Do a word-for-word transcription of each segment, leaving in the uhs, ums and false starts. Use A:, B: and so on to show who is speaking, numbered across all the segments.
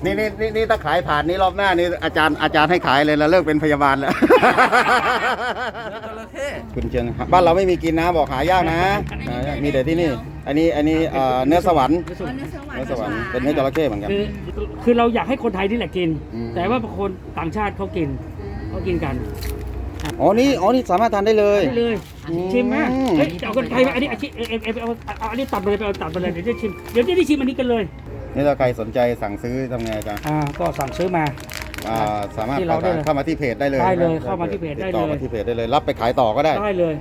A: นี่นี่นี่นี่ถ้าขายผ่านนี้รอบหน้านี่อาจารย์อาจารย์ให้ขายเลยแล้วเลิกเป็นพยาบาลแล้วคุณเชียงบ้านเราไม่มีกินนะบอกหายากนะหายากมีแต่ที่นี่อันนี้อันนี้เอ่อเนื้อสวรรค์เนื้อสวรรค์เป็นเนื้อจระเข้เหมือนกัน
B: คือคือเราอยากให้คนไทยนี่แหละกิน
A: อืม
B: แต่ว่าคนต่างชาติเขากินเขากินกัน
A: อ๋อนี่อ๋อนี่สามารถทานได้เลย
B: ได้เลย
A: อืม
B: ชิมไหมเฮ้ยเอาคนไทยมาอันนี้อาชีพเอเอเอาเอาอันนี้ตัดไปเลยไปเอาตัดไปเลยเดี๋ยวจะชิมเดี๋ยวจะได้ชิมอันนี้กันเลย
A: นี่ถ้าใครสนใจสั่งซื้อทำไงอาจารย์
B: อ่าก็สั่งซื้อมา
A: อ่าสามารถ
B: ที่เราได้เลย
A: เข้ามาที่เพจได้เลย
B: ได้เลย
A: นะ
B: เข้ามาที่เพจได้เลย
A: ติต่อมาที่เพจได้เลยรับไปขายต่อก็ได้
B: ได้เลย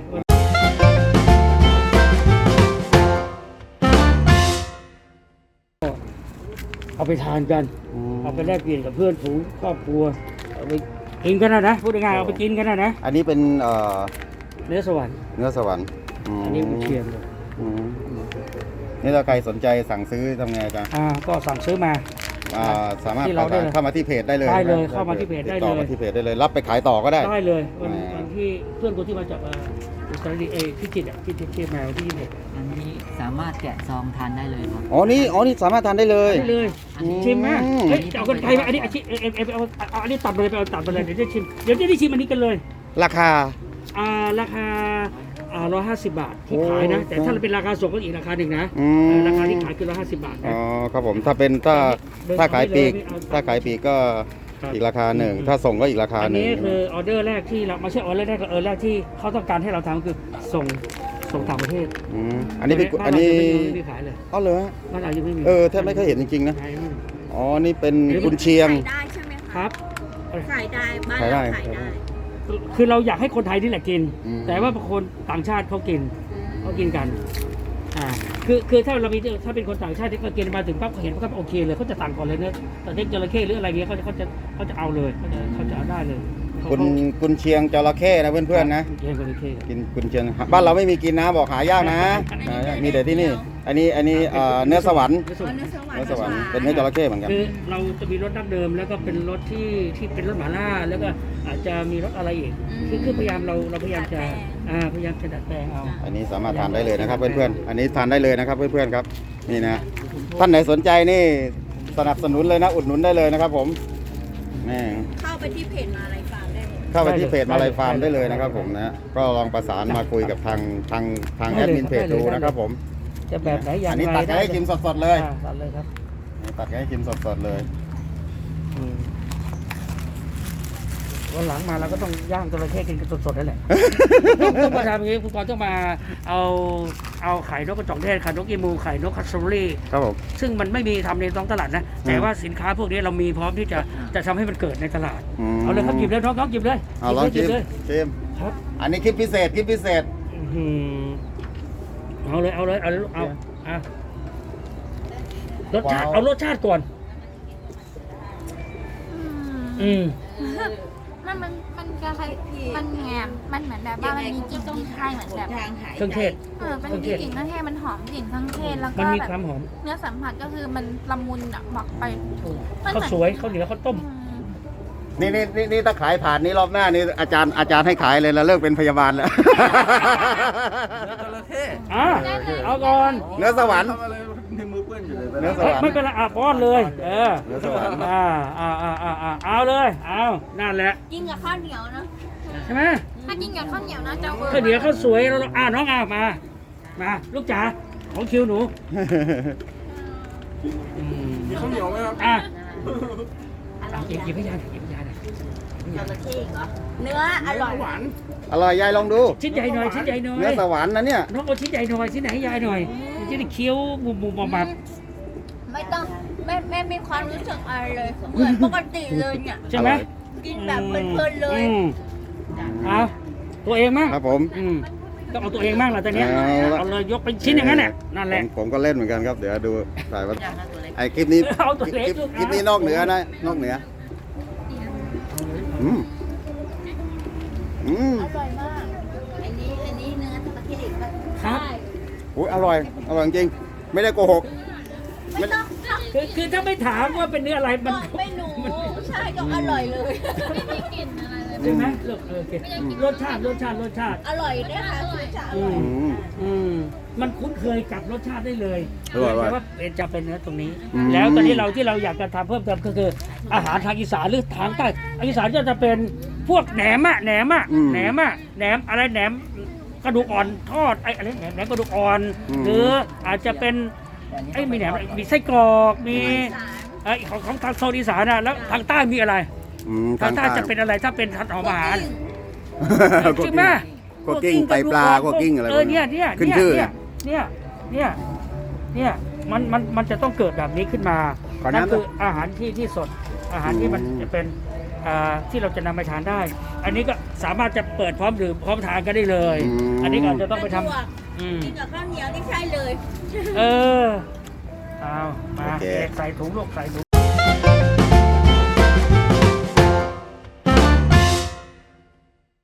B: เอาไปทานกัน
A: อืม
B: เอาไปแลกเปลี่ยนกับเพื่อนฝูงครอบครัวเอาไปกินกันนะนะพูดง่ายๆเอาไปกินกันนะนะ
A: อันนี้เป็นเอ่อ
B: เนื้อสวรรค์
A: เนื้อสวรรค์ม
B: อันนี้กุนเชียงเลย
A: อืมนี่ถ้าใครสนใจสั่งซื้อทำไงอาจารย์
B: อ่าก็สั่งซื้อมา
A: อ่าสามารถ
B: ที่เราได้เลย
A: เข้ามาที่เพจได้เลย
B: ได้เลย
A: นะ
B: เข้ามาที่เพจได้เลย
A: ติต่อมาที่เพจได้เลยรับไปขายต่อก็ได้
B: ได้เลยวัน
A: อ่า
B: วันที่เพื่อนคนที่มาจากเอ่ออุตรดิตถ์เอยพิจิตรอ่ะที่ที่ที่มาวันที่ยี่สิบเอ็ด
C: อันนี้สามารถแกะซองทานได้เลยครับ
A: อ๋อนี่อ๋อนี่สามารถทานได้เลย
B: ได้เลย
A: อืม
B: ชิมไหมเฮ้ยเอาคนไทยมาอันนี้อาชีพเอเอเอาเอาเอาอันนี้ตัดไปเลยไปเอาตัดไปเลยเดี๋ยวจะชิมเดี๋ยวจะได้ชิมอันนี้กันเลย
A: ราคา
B: อ่าราคาอ่าร้อยห้าสิบบาทที่ขายนะ แต่ถ้าเป็นราคาส่งก็อีกราคาหนึ่งนะ
A: อืม
B: เออราคาที่ขายคือร้อยห้าสิบบาท
A: อ๋
B: นะ
A: อครับผมถ้าเป็นถ้า
B: เดิน
A: ถ้าขายปลีก
B: ไม่เอา
A: ถ้าขายปลีกก็
B: ครับ
A: อีกราคาหนึ่งถ้าส่งก็อีกราคา
B: อัน
A: หนึ่ง
B: นี้คือออเดอร์แรกที่เราไม่ใช่ออเดอร์แรกก็เออแรกที่เขาต้องการให้เราทำคือส่งส่งต่างประเทศ
A: อืมอันนี้เป็น
B: บ้า
A: อัน
B: เรา
A: นี้
B: ยังไม่มีขายเลย
A: อ๋อเหรอฮะ
B: บ้านเรายังไม่มี
A: เออแทบไม่เคยเห็นจริงๆนะ
B: ขายไม่มี
A: อ๋อนี่เป็นกุนเชียง
D: ขายได้ใช่ไหม
B: ค
D: คะ
B: รับ
D: ขายได้บ้าน
A: ขายได้
D: เราขายได้
B: คือเราอยากให้คนไทยนี่แหละกิน
A: อืม
B: แต่ว่าคนต่างชาติเขากินเขากินกันอ่าคือคือถ้าเรามีถ้าเป็นคนต่างชาติที่เขากินมาถึงปั๊บเขาเห็นเขาก็โอเคเลยเขาจะต่างก่อนเลยเนื้อแต่เด็กจระเข้หรืออะไรเงี้ยเขาจะเขาจะเขาจะเอาเลยเขาจะเขาจะเอาได้เลยเขา
A: กุนกุนเชียงจระเข้นะเพื่อนๆนะ
B: เลี้ยงจระเข้
A: กินกุนเชียงบ้านเราไม่มีกินนะบอกหายากนะหายากมีแต่ที่นี่ อันนี้อันนี้เอ่อเนื้อสวรรค์
B: เนื้อสวรรค์
D: เนื้อสวรร
A: เนื้อสวรรค์
D: ค์
A: เป็นเนื้อจระเข้เหมือนกัน
B: คือเราจะมีรถดั้งเดิมแล้วก็เป็นรถที่ที่เป็นรถหมาล่าแล้วก็อาจจะมีรถอะไรอีกคือคือพยายามเราเราพยายามจะอ่าพยายามจะดัดแปลงเอา
A: อันนี้สามารถทานได้เลยนะครับเพื่อนๆ อันนี้ทานได้เลยนะครับเพื่อนๆครับนี่นะท่านไหนสนใจนี่สนับสนุนเลยนะอุดหนุนได้เลยนะครับผมนี่
D: เข้าไปที่เพจมาอะไรฟาร์มได้เลย
A: เข้าไปที่เพจมาลายฟาร์มได้เลยนะครับผมนะก็ลองประสานมาคุยกับทางทางทางแอดมินเพจดูนะครับผม
B: จะแบบไหนอย่าง
A: อัน
B: ไร
A: นี้ตัดให้กินสดๆเลย
B: อ่าตัดเลยครับ
A: ตัดให้กินสดๆเลย
B: อืมวันหลังมาเราก็ต้องย่างจระเข้กินกันสดๆนั่นแหละ ต้องต้องมาทำอย่างนี้คุณกรณ์ต้องมาเอาเอาไข่นกกระจอกเทศไข่นกอีมูไข่นกคัสซอรี่
A: ครับผม
B: ซึ่งมันไม่มีทำในท้องตลาดนะ แต่ว่าสินค้าพวกนี้เรามีพร้อมที่จะจะทำให้มันเกิดในตลาด
A: ม
B: เอาเลยครับหยิบเลยน้องน้องหยิบเลย
A: เอาลอง
B: หยิ
A: ชิ
B: บ
A: ม
B: เลย
A: ชิม
B: ครับ
A: อันนี้คลิปพิเศษคลิปพิเศษ
B: อื้อหือเอาเลยเอาเลยเอาเลยเอาเอารสชาติ
A: ว้าว
B: เอารสชาติก่อน อืม
E: มันมันมันกระไรมันแงมมันเหมือนแบบว่ามันมีกลิ่นพริกไทยเหมือนแบบ
D: ทางหาย
B: เครื่องเทศ
E: เออมันมีกลิ่นเครื่องเทศมันหอมกลิ่นเครื่องเทศแล้ว
B: มั
E: ก็
B: นมี
E: แบ
B: ความ
E: บ
B: หอม
E: เนื้อสัมผัสก็คือมันละมุนอ่ะบอกไป
B: ข้าวสวยข้าวเหนียวข้าวต้ม
E: อืม
A: นี่นี่นี่นี่ถ้าขายผ่านนี้รอบหน้านี่อาจารย์อาจารย์ให้ขายเลยแล้วเลิกเป็นพยาบาลแล้ว
B: อ่ะเอาก่อน
A: เนื้อสวรรค์เนื้อส
B: เอ้ยว
A: รร
B: ไม่
A: ค์
B: เป็นไรอ่ะป้อนเลย เออ
A: เนื้อสวรรค์
B: อ่าอ่าอ่าอ่าอ่าเอาเลย เอานั่นแหละ
E: กินกับข้าวเหนียวนะ
B: ใช่ไหม
E: ถ้ากินกับข้าวเหนียวนะจะเวิร์
B: ข้าวเหนียวข้าวสวยเราอ่าน้องอ่ะมา มา ลูกจ๋าของคิวหนูมีข้าวเหนียวไหมครับอ่ะหยิบหยิบให้ยายหยิบให้ยายหน่อย
D: จระเข้เหรอเนื้ออร่อย
B: หวาน
A: อร่อยยายลองดู
B: ชิ้นใหญ่หน่อยชิ้นใหญ่หน่อย
A: เนื้อสวรรค์นะเนี่ย
B: น้องเอาชิ้นใหญ่หน่อยชิ้นไหนให้ยายหน่อยจะได้เคี้ยวบุบบุบบับบับ
D: ไม่ต้องไม่ไม่มีความรู้สึกอะไรเลย เหมือนปกติเลยเนี่ย
B: ใช่ไหม
D: กินแบบเพลินๆเลย
B: อืมเอาตัวเองมั้ง
A: ครับผม
B: อืมต้องเอาตัวเองบ้างแหละตอนเนี้ย
A: เอาละ
B: เอาเลยยกเป็นชิ้นอย่างนั้นแหละนั่นแห
A: ผ
B: ละ
A: มผมก็เล่นเหมือนกันครับ เดี๋ยวดูถ่ายว่าไอ้คลิปนี้
B: เอาตัว
A: ค
B: เล็ก
A: ลิป
B: ลูก
A: คลิปนี้นอกเหนือนะนอกเหนืออืมอืม
D: อร่อยมาก อันนี้อันนี้เนื้อจระเข้อีกปะ
B: ครับ
A: อุ้ยอร่อยอร่อยจริงไม่ได้โกหก
D: ไม่ต้อง
B: คือคือถ้าไม่ถามว่าเป็นเนื้ออะไรมัน
D: ไม่รู้ใช่ก็อร่อยเลย
E: ไม่มีกลิ่นอะไรเลย
B: ใช่ไหมลูกเออโอเครสชาติรสชาติรสชาติ
D: อร่อยด้วยค่ะคือจะอ
B: อื
D: ร่อย
B: ม
A: อืม
B: อืมมันคุ้นเคยกับรสชาติได้เลย
A: อร่อย
B: แต่ว่าเป็นจะเป็นเนื้อตรงนี้
A: อืม
B: แล้วตอนนี้เราที่เราอยากจะทำเพิ่มเติมก็คือ อาหารทางอีสานหรือทางใต้อีสานก็จะเป็นพวกแหนมอะแหนมอะ
A: อืม
B: แหนมอะแหนมอะไรแหนมกระดูกอ่อนทอดไอ้อะไรแหนมแหนมกระดูกอ่อน
A: อืม
B: หรืออาจจะเป็นไอ้มีแหนมมีไส้กรอกมีไอ้ของของทางโซนอีสานอะแล้วทางใต้มีอะไร
A: อืม
B: ทางใต้จะเป็นอะไรถ้าเป็นทางอาหาร
A: พวก
B: ใช่ไหม
A: พวกกิ้งไตปลาพวกกิ้งอะไร
B: เออเนี่ยเนี่ย
A: ขึ้นชื่อ
B: เนี่ยเนี่ยเนี่ยเนี่ยมันมันมันจะต้องเกิดแบบนี้ขึ้นมา
A: ขอ
B: นั่น
A: น้ำ
B: คืออาหารที่ที่สดอาหารที่มัน
A: อืม
B: จะเป็นอ่าที่เราจะนำไปทานได้ อันนี้ก็สามารถจะเปิดพร้อมดื่มพร้อมทานกันได้เลย อันนี้ก็อาจจะต้องไปทำอืม
D: กินกับข้าวเหนียวนี่ใช่เลย
B: เออเอามา
A: โอเค
B: เด็กใส่ถุงลูกใส่ถุง